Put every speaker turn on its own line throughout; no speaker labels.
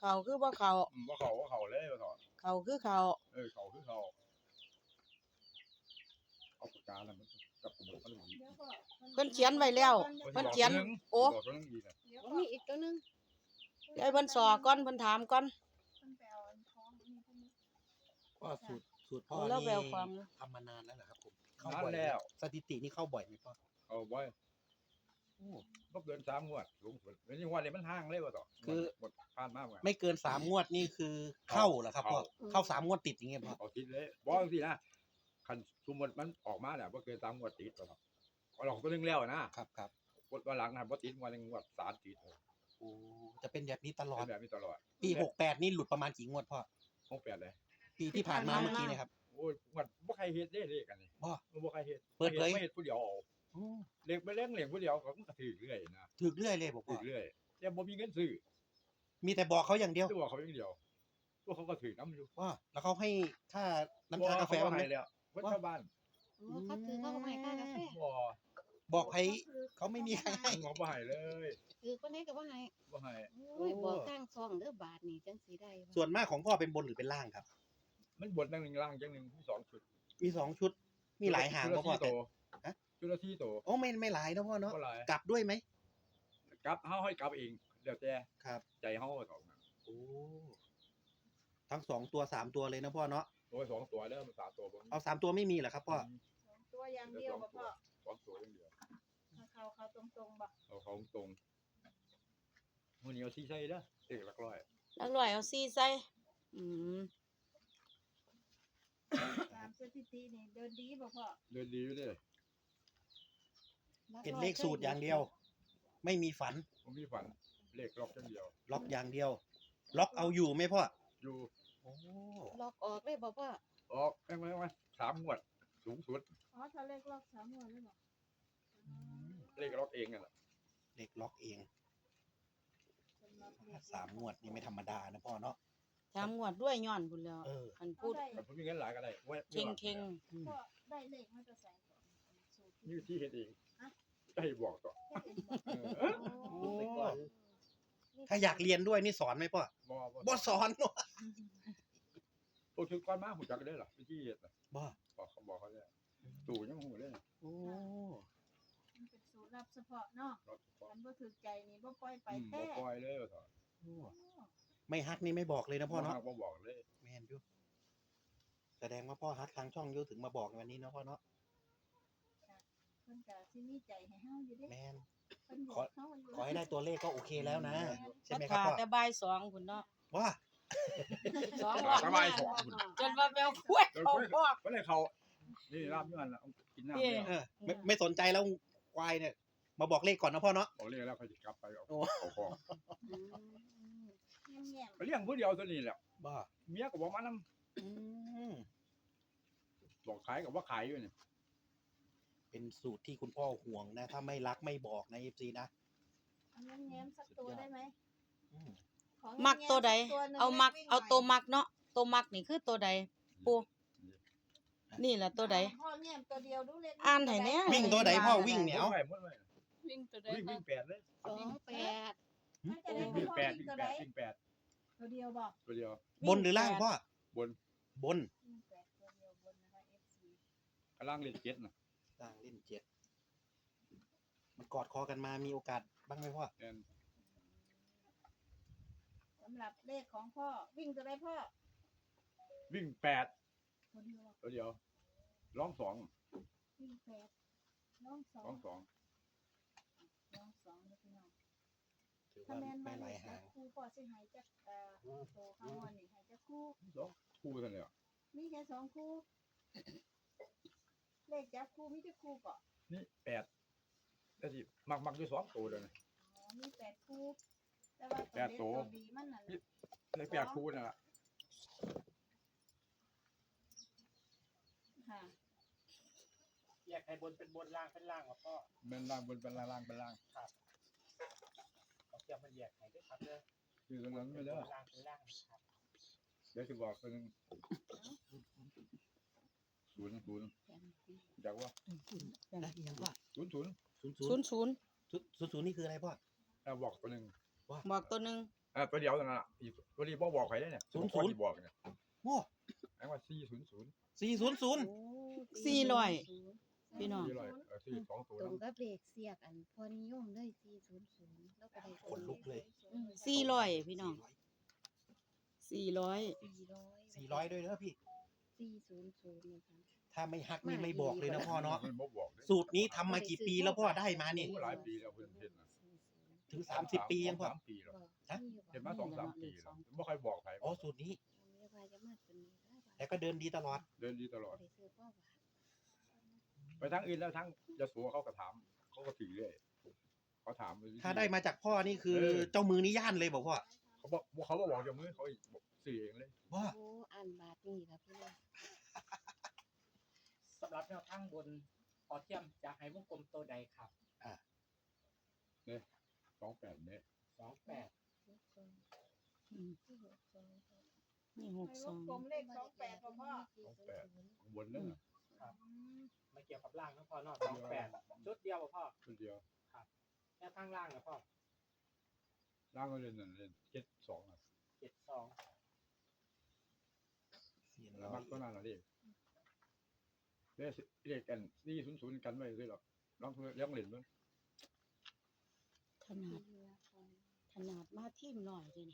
เขาคือบ่เขา
บ่เขาเลยบ่ถอด
เขาคือเขา
เขาคือเขาเอาปากกาแล้วมันกับผมมัน
เพิ่นเขียนไว้แล้วเพิ่นเขียนโอ้
บอกตัวนึงดีนะ
มีอีกตัวนึง
เดี๋ยวเพิ่นสอก่อนเพิ่นถามก่อน
ก็สูตรพ่อ
แล้วแว
นี่
วความ
ทำมานานแล้วเหรอครับผมเข้า
นั่
บ่อย
นแล้ว
สถิตินี่เข้าบ่อยไหมพ่อ
เอาบ่อย
โอ้
บ่เกิน3งวดสูงสุดแล้วนี่งวดนี้มันห่างเลยว่าต่อ
คือ
หมดผ่านมาเหมือน
ไม่เกิน3งวดนี่คือเข้าเหรอครับพ่อเข้า3งวดติดอย่างเงี้ยพ่อ
เอาติดเลยบ่จังซี่นะคันสมมุติมันออกมาแล้วบ่เกิน3งวดติดว่าต่อเอาหลอกตัวนึงแล้วนะครับ
ครับ
วันหลังนะบ่ติดงวดนึงงวด3ติด
โอ้จะเป็นแบบนี้ตลอ
เป็
ด
นแบบนี้ตลอด
ปี68นี่หลุดประมาณกี่งวดพ่อ
68เลย
ปีที่ผ่านมาเมื่อกี้เนะครับ
โอ้ยงวดบ่ใครเฮ็ดเด้เลขกันนี่
พ่อ
บ่ใครเฮ็ด
เปิดเผย
ไม่เฮ็ดผู้เดียวเอา
โอ้
เลขไปเล่นเลขผู้เดียวก็มันก็ถือเรื่อยนะ
ถึกเรื่อยเลยบอก
ถื
พ่อ
อเรื่อยแต่บ่มีเงินซื้อ
มีแต่บอกเขาอย่างเดียว
ตัวเขาอย่างเดียวตัวเขาก็ถือน้ำอยู่
ว่าแล้วเขาให้ค่าน้ำชากาแฟบ้างไหม
บ่แล้ววัดชาวบ้าน
เขาถือเขาก็ไม่ค่ากาแฟ
บ่
บอกให้เขาไม่มีใครให้
งอบ่ให้เลย
คือคนนี้ก็บ่ให้
บ่ให้
โอ้ยบอกทางซองเด้อบาทนี่จังสิได้
ส่วนมากของพ่อเป็นบนหรือเป็นล่างครับ
มันบทหนึ่งล่างจังหนึ่งมี2ชุด
มี2ชุด มีหลายหาง
ชุด
ก็
ละ
พ่อ
4
แต่
ตัว
ฮะ
ชุดละ4ตัว
โอ้ไม่หลายนะพ่อเนาะ
บ่หลาย
กลับด้วยไหม
กลับเฮาให้กลับเองเดี๋ยวแต่
ครับ
ใจเฮาสอง
โอ้ทั้ง2ตัว3ตัวเลยนะพ่อเนาะ
ตัว2ตัวแล้วมัน3ตัวบ่
เอา3ตัวไม่มีเหรอครับพ่อ
ตัวอย่างเดียวบ่พ่อ
2ตัวอย่างเดียว
เขาตรงๆบ่
เอาเขาตรงมื้อนี้เอาซี่ใส่เด้อเอกหลักร้อย
แล้วร้อยเอาซี่ใส่อืม
ตามสถิตินี่เดินดีบ่พ่อ
เดินดีอยู่เด้อ
เป็นเลขสูตรอย่างเดียว ไม่มีฝัน
ผมมีฝันเลขล็อกจังเดียว
ล็อกอย่างเดียว ล็อกเอาอยู่ไหมพ่อ
อยู่
โอ้
ล็อกออกได้บ่พ่อ
ออกแม่ง3งวดสูงสุด
อ๋อถ้าเลขรอบ3งวดเลยบ่
เลขล็อกเองนั่นแหละ
เลขล็อกเอง
สำหรับเลข
3งวดนี่ไม่ธรรมดานะพ่อเนาะ
ถามงวดด้วยย้อนพุ่นแล้ว
เออ
คันพูด
แต่ผมมีเงินหลายก็ได้เว้ย
เข่ง
พ่อได้เลขมาจะใส่ก่อนสูตร
นี่ที่เฮ็ดเองได้บอกต่อ
เฮ็ดเองบ่
โอ้ถ้าอยากเรียนด้วยนี่สอนไหมพ่อ บ่สอนเนาะ
ตัวชุดก้อนมาหูจักได้หรอวิธีเฮ็ดน่ะ
บ่
บอกเขาได้ตู่ยังหูเลย
โอ้
มันเป็นสูตรลับเฉพาะเนาะ
รถ
คันบ่ถูกใจนี่บ่ปล่อยไป
บ่
แท้
ปล่อยเลยว่าต่อ
ไม่ฮักนี่ไม่บอกเลยนะพ่อเนาะ
บ่บอกเลย
แม่นอยู่แสดงว่าพ่อฮักทางช่องอยู่ถึงมาบอกในวันนี้เนาะพ่อเนาะ
เพิ่นก็สิมีใจให้เฮาอยู่เด้
แม่น
เพิ่นบอกเฮาอยู่
ขอให้ได้ตัวเลขก็โอเคแล้วนะ
ๆ
ใช่
ก็
ไหมครับ
ถ่า
พ่อ
แต่บ่าย2พุ่นเนาะ
ว่า
2รอบ
สบายสอง
จนว่าแววคุ้ยเขาพอก
บ่ได้เขานี่ลาบอยู่นั่นล่ะกินน้ำ
เอ๊ะ
เนี่ย
เออไม่สนใจแล้วควายเนี่ยมาบอกเลขก่อนนะพ่อเนาะ
เอาเรียกแล้วเขาจะกลับไปเอา
โอ้
เอาของ
แง่ม
ไปเลี้ยงผู้เดียวตัวนี้แหละ
บ้า
เมียก็บอกมานํ
อืม
บอกขายก็ว่าขายอยู่นี่
เป็นสูตรที่คุณพ่อห่วงนะ ถ้าไม่รักไม่บอกนะ FC นะ
ๆอันนั้นแง้มสักตัวได้ไหม
อืม
ขอ
มักตัวใด
แง้มสักหนึ่ง
เอามัก
วิ่งหน่
เอา
ย
ตัวมักเนาะตัวมักนี่คือตัวใดปูนี่ล่ะตัวใด
พ่อแง้มตัวเดียวดูเลข
อ่านให้แน่
วิ่งตัวใดพ่อวิ่งเนี่ย
หมดไว้
วิ่งตัวใด
วิ่งแปดเลย
28
มันจะได้
วิ่ง
พ่อ
แปด
วิ่
วิ่
ง
ง
ตัว
แป
ใด
ดวิ่งแปด
ตัวเดียวบอก
ตัวเดียว
บนหรือล่างพ่อบ
น
บน
วิ่งแปดตัวเดียวบนนะคะ FC
กำลังเล่นเจ็ดน่ะ
ล่างเล่น7มันกอดคอกันมามีโอกาสบ้างไหมพ่อ
แม่น
สำหรับเลขของพ่อวิ่งตัวใดพ่อ
วิ่งแปด
ตัวเดียว
ตัวเดียวร้องสอง
วิ่งแปดน้องสอ
ร้อง งสอง
น้องสองนะพี่น้อง
ถือ
ถ้า
ว่า
แม่น
ไม่
มา
ห
เล
ลาย
ย
หาง
ครูพ่อสิใหายจักโตข้างวันนี่ใหายจักคู่
สองคู่เท่านั้นแหละ
มีแค่สองคู่ เลขจับคู่มีจักคู่เกาะ
นี่แปดแต่สิมักด้วยสองตัวเลยนะ
อ๋อมีแปดคู่แต่ว่า
แปดตั
ตัว วดีมันนั่น
เลยแปดคู่นั่นแหละ
ค่ะ
แยกให้บนเป็นบนล่างเป็นล่างพ่อ
เป็นล่างบนเป็นล่างเป็นล่าง
เขาจะมาแยกให้ด้วยครับเด้อ
คือตรงนั้นไม่ได้
ล่างเป็นล่างครับ
เดี๋ยวจะบอกคนนึงศูนย์จากว่า
นะยังว่า
ศูนย์
00
00
00นี่คืออะไรพ่อ
เราบอกคนนึง
บอกตัวหนึง
ตัวเดียวนั่นน่ะอีกตัวนี้บ่บอกใครได้เนี่ย
00
คนที่บอกเนี่ย
โอ้
ไอ้ว่า400
400
พี่น้อง
400 2ตัว
ตรง
นำ
กับเลขเสียกอันพอนิยมเลย400แล้วก็ได้
ขนลุกเลย
400พี่น้อง400
400ด้วยเด้อพี่
400นะคะ
ถ้าไม่ฮักนี่ไม่บอกเลยนะพ่อเนาะ
มันบ่บอกเด้
สูตรนี้ทำมากี่ปีแล้วพ่อได้มานี่
โอ้หลายปีแล้วเพิ่นเฮ็ดน่ะ
ถึง30 ปียังพ่อ
3ปีแล้ว
ฮะ
เห็นมา2-3 ปีแล้วบ่ค่อยบอกใคร
อ๋อสูตรนี้
ไม่ว่าจะมาตัวนี้ได้
แต่ก็เดินดีตลอด
เดินดีตลอด
ได้ซื้อพ่อว่า
ไปทั้งอื่นแล้วทั้งยโสเขาก็ถามเขาก็ถือเรื่อยเขาถาม
ถ้าได้มาจากพ่อนี่คือ
เออ
เจ้ามือนี่ย่านเลยบอกพ่อ
เขาบอกจากมือเขาอีกบอกสื่อเองเลย
ว่า
โอ้อ่านบาทนี่ครับพี่น้อง
สำหรับแนวทางบนพอเทียมจะให้วงกลมตัวใดครับ
28เนี่ย
28
อืมนี่
ให้วงกลม
62
เลข28บ่พ่อ
ข้างบนนั่นน่ะ
ไม่เกี่ยวกับล่างนะพ่อเนอก28ชุดเดียวบ่พ่อ
คนเดียว
แนวทางล่างนะพ่อ
ร่างก็เล่นนั่นเล่น72อ่ะ
72
แล้วมักก็นั่นน่ะดิเลขกัน400กันไว้ด้วยหรอกน้องเพื่อนเลี้ยงเล่นมั้ย
ขนาดมาทีมหน่อยเลยนี่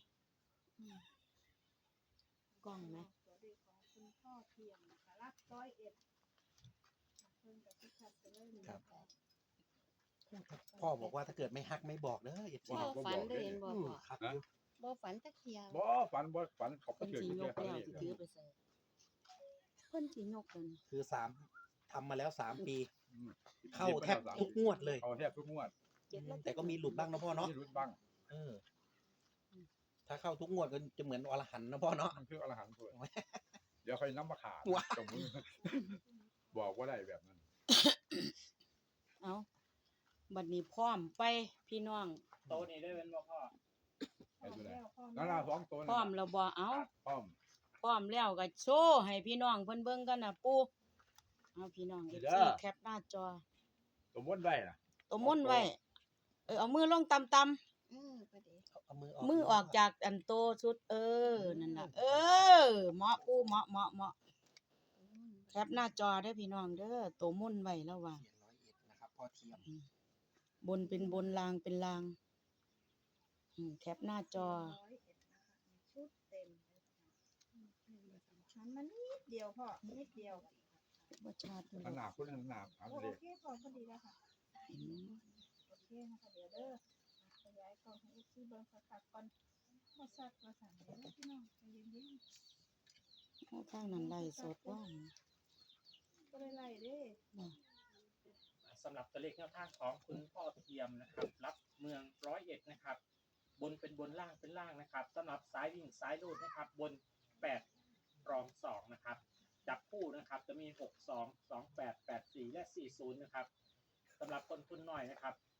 กล้องไหม
ตัวเลขของคุณพ่อเทียมนะคะรับ101เพิ่นกับพิชัดไปเลยนี่
ครับ พ่อบอกว่าถ้าเกิดไม่ฮักไม่บอกเด้อเอฟซี
พ่อฝันได้เห็นบ่พ่อ
ครับ
บ่ฝันตะเคียน
บ่ฝันเขาก็
เพิ่น
เถื่อน
สิย
เถื่
ก
อน
แล้ว
เล
สิ
ข
ถือไปใส่เพิ่นสิยกแล้วนี่
คือทำมาแล้ว3 ปี
อืม
เข้าแทบทุกงวดเลย
เข้าแทบทุกงวด
แต่ก็มีหลุดบ้างนะพ่อเนาะ
นี่รุดบ้าง
เออ ถ้าเข้าทุกงวดก็จะเหมือนอรหันต์นะพ่อเนาะ
มันคืออรหันต์ตัวเดี๋ยวค่อยนำมาขาด
ว้าว
จมือบอกว่าได้แบบนั้น
เอาบัดนี้พร้อมไปพี่น้อง
โตวนี้ได้เป็นบ่พ่อ
ไอ้ตัวไหน
แล้วพ่อ
นั่นน่ะ2ตัว
พร้อมแล้วบ่เอา
พร้อม
พร้อมแล้วก็โชว์ให้พี่น้องเพิ่นเบิ่งกันน่ะปู่เอาพี่น้อง
นี่
FC
เด้อ
แคปหน้าจอ
สมมุติไว้น่ะ
ตัวมุ่นไว้เอามือลงต่ำ
ประเดี๋ยว
เอามือออก
ๆมือออกจากอันโตชุดนั่นน่ะเหมาะปู่เหมาะแคปหน้าจอได้อพี่น้องเด้อตัวมุ่นไว้แล้วว่า
เขียน101นะครับพ่อเทียม
บนเป็นบนลางเป็นลางแคปหน้าจอ
101นะคะชุดเต็มเลยค่ะมันนิดเดียวพ่อนิดเดียว
บ่ชาติ
ขนาดคนขนาดอัน
โอ
เด็ก
เคพอพอดีแล้วค่ะโอเคนะคะเดี๋ยวเด้อขยายกล้องให้ที่เบิ่งคักๆก่อนบ่ซัดบ่สั่นเด้อพี่น้องใจเย็น
ทางนั้นไล่สดว่า
ๆบ่ได้ไล่เด้
สำหรับตัวเลขแนวทางของคุณพ่อเทียมนะครับ รับเมือง101นะครับ บนเป็นบนล่างเป็นล่างนะครับสำหรับสายวิ่งสายลูดนะครับ บน8รอง2นะครับจับคู่นะครับจะมี62 28 84และ40นะครับสำหรับคนทุนน้อยนะครับ